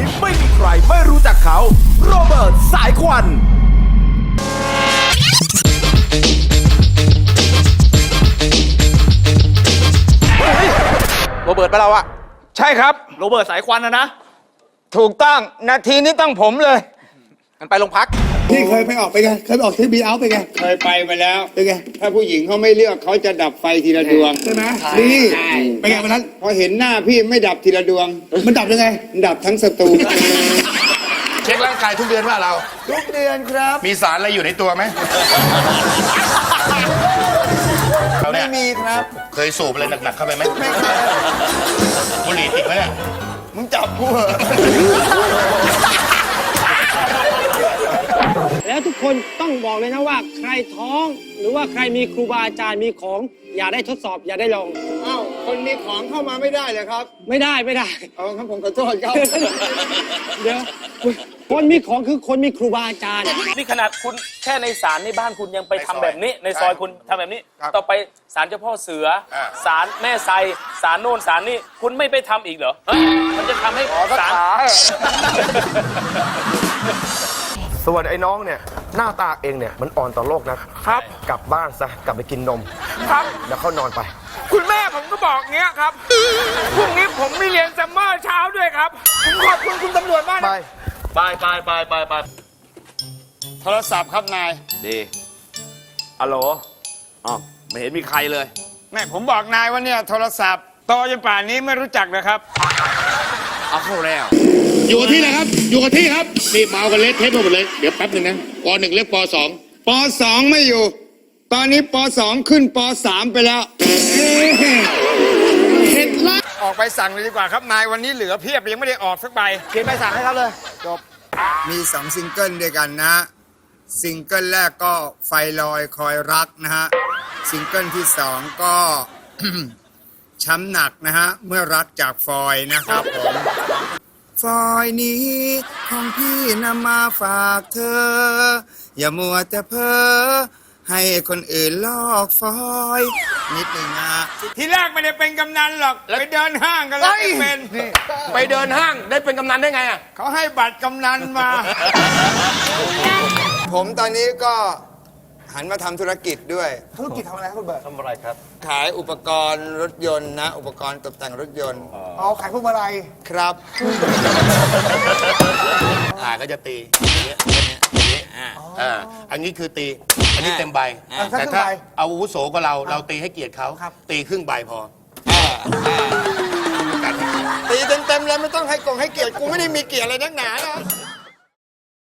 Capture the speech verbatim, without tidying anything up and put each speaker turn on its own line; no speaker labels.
ไม่มีใครไม่รู้จักเขาโรเบิร์ตสายควัน
โรเบิร์ตไปเราอะใช่ครับโรเบิร์ตสายควันนะนะถูกต้องนาทีนี้ต้องผมเลยกันไปโรงพัก
พี่เคยไปออกไปไงเคยไปออกที่บีเอาไปไง
เคยไปมาแล้ว
เป็นไง
ถ้าผู้หญิงเขาไม่เลือกเขาจะดับไฟทีละดวง
ใช่ไหมนี่ไปไงวันนั้น
พอเห็นหน้าพี่ไม่ดับทีละดวง
มันดับยังไง
ดับทั้งสตู
เช็คร่างกายทุกเดือนว่าเรา
ทุกเดือนครับ
มีสารอะไรอยู่ในตัวไหม
ไม่มีครับ
เคยสูบอะไรหนักๆเข้าไปไหม
ไม่เคย
บุหรี่ติดไหมเนี่ย
มึงจับกูเหรอ
แล้วทุกคนต้องบอกเลยนะว่าใครท้องหรือว่าใครมีครูบาอาจารย์มีของอย่าได้ทดสอบอย่าได้ลอง
อ้าวคนมีของเข้ามาไม่ได้เลยครับ
ไม่ได้ไม่ได้
เอาครับผมขอโทษครับ
เดี๋ยวคนมีของคือคนมีครูบาอาจารย์
นี่ขนาดคุณแค่ในศาลในบ้านคุณยังไปทำแบบนี้ในซอยคุณทำแบบนี้ต่อไปศาลเจ้าพ่อเสือศาลแม่ไซศาลโน่นศาลนี่คุณไม่ไปทำอีกเหรอมันจะทำให้ศาล
ส่วนไอ้น้องเนี่ยหน้าตาเองเนี่ยมันอ่อนต่อโลกนะครับกลับบ้านซะกลับไปกินนมครับแล้วเขานอนไป
คุณแม่ผมก็บอกเงี้ยครับพรุ่งนี้ผมมีเรียนซัมเมอร์เช้าด้วยครับผมขอบคุณคุณตำรวจมาก
ไป
ไปไปไปไปไป
โทรศัพท์ครับนาย
ดีฮัลโหลอ๋อไม่เห็นมีใครเลย
แม่ผมบอกนายว่าเนี่ยโทรศัพท์โตจนป่านนี้ไม่รู้จักเลยครับ
เอาเข้าแล้ว
อยู่กับที่นะครับ อยู่กับที่ครับนี่เมากันเละเทะหมดเลยเดี๋ยวแป๊บหนึ่งนะปหนึ่งเรียกปสอง
ปสองไม่อยู่ตอนนี้ปสองขึ้นปสามไปแล้วเห็ดละออกไปสั่งเลยดีกว่าครับนายวันนี้เหลือเพียบยังไม่ได้ออกสักใบ
เขียนใบสั่งให้ครับเลยจบ
มีสองซิงเกิลด้วยกันนะซิงเกิลแรกก็ไฟลอยคอยรักนะฮะซิงเกิลที่สองก็ ช้ำหนักนะฮะเมื่อรักจากฟอยนะครับผมฟอยนี้ของพี่นำมาฝากเธออย่ามัวแต่เพ้อให้คนอื่นลอกฟอยนิดหนึ่งนะทีแรกไม่ได้เป็นกำนันหรอกไปเดินห้างกันแล้วเป็น
ไปเดินห้างได้เป็นกำนันได้ไงอ่ะ
เขาให้บัตรกำนันมา ผมตอนนี้ก็หันมาทำธุรกิจด้วย
ธุรกิจทำอะไรครับคุณเบิร์ต
ทำอะไรครับ
ขายอุปกรณ์รถยนต์นะอุปกรณ์ตกแต่งรถยนต์
อ๋อขายพวกอะไร
ครับ
อ่าก็จะตีอย่างเงี้ยอย่างเงี้ยอ่าอันนี้คือตีอันนี้เต็มใบแต่ถ้าเอาอาวุโสกว่าเราเราตีให้เกียรติเขาตีครึ่งใบพอ
ตีเต็มๆแล้วไม่ต้องให้กงให้เกียรติกูไม่ได้มีเกียรติอะไรนักหนานะ